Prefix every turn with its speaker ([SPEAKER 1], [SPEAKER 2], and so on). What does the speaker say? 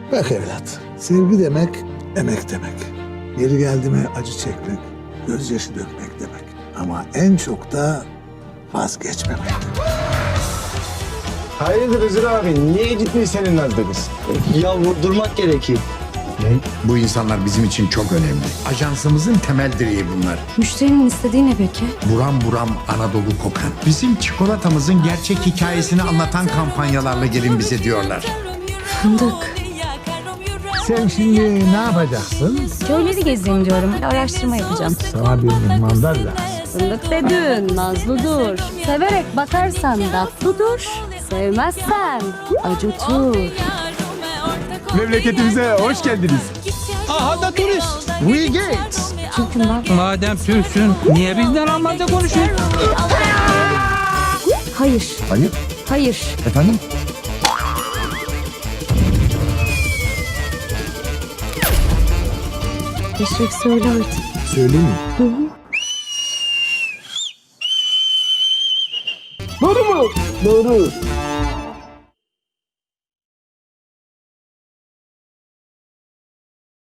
[SPEAKER 1] Bak evlat, sevgi demek emek demek. Yeri geldi mi acı çekmek, gözyaşı dökmek demek. Ama en çok da vazgeçmemek demek.
[SPEAKER 2] Hayırdır Hızır abi? Niye gitmiyor senin nazlı kız?
[SPEAKER 3] Ya vurdurmak gerekiyor.
[SPEAKER 4] Bu insanlar bizim için çok önemli. Ajansımızın temel direği bunlar.
[SPEAKER 5] Müşterinin istediği ne peki?
[SPEAKER 4] Buram buram Anadolu kokan. Bizim çikolatamızın gerçek hikayesini anlatan kampanyalarla gelin bize diyorlar.
[SPEAKER 5] Fındık.
[SPEAKER 1] Sen şimdi ne yapacaksın?
[SPEAKER 5] Köyleri gezeyim diyorum. Araştırma yapacağım.
[SPEAKER 1] Sana bir mihmandar lazım.
[SPEAKER 5] Fındık dedin, nazlı dur. Severek bakarsan tatlı dur. Sevmezsen acıtır.
[SPEAKER 2] Memleketimize hoş geldiniz.
[SPEAKER 3] Aha da turist.
[SPEAKER 2] We Gates.
[SPEAKER 5] Türk'üm ben.
[SPEAKER 6] Madem Türksün, niye bizden Almanca konuşuyorsun?
[SPEAKER 5] Hayır.
[SPEAKER 2] Hayır.
[SPEAKER 5] Hayır.
[SPEAKER 2] Efendim?
[SPEAKER 5] Eşref söyle artık.
[SPEAKER 1] Söyleyeyim mi?
[SPEAKER 2] Doğru mu? Doğru.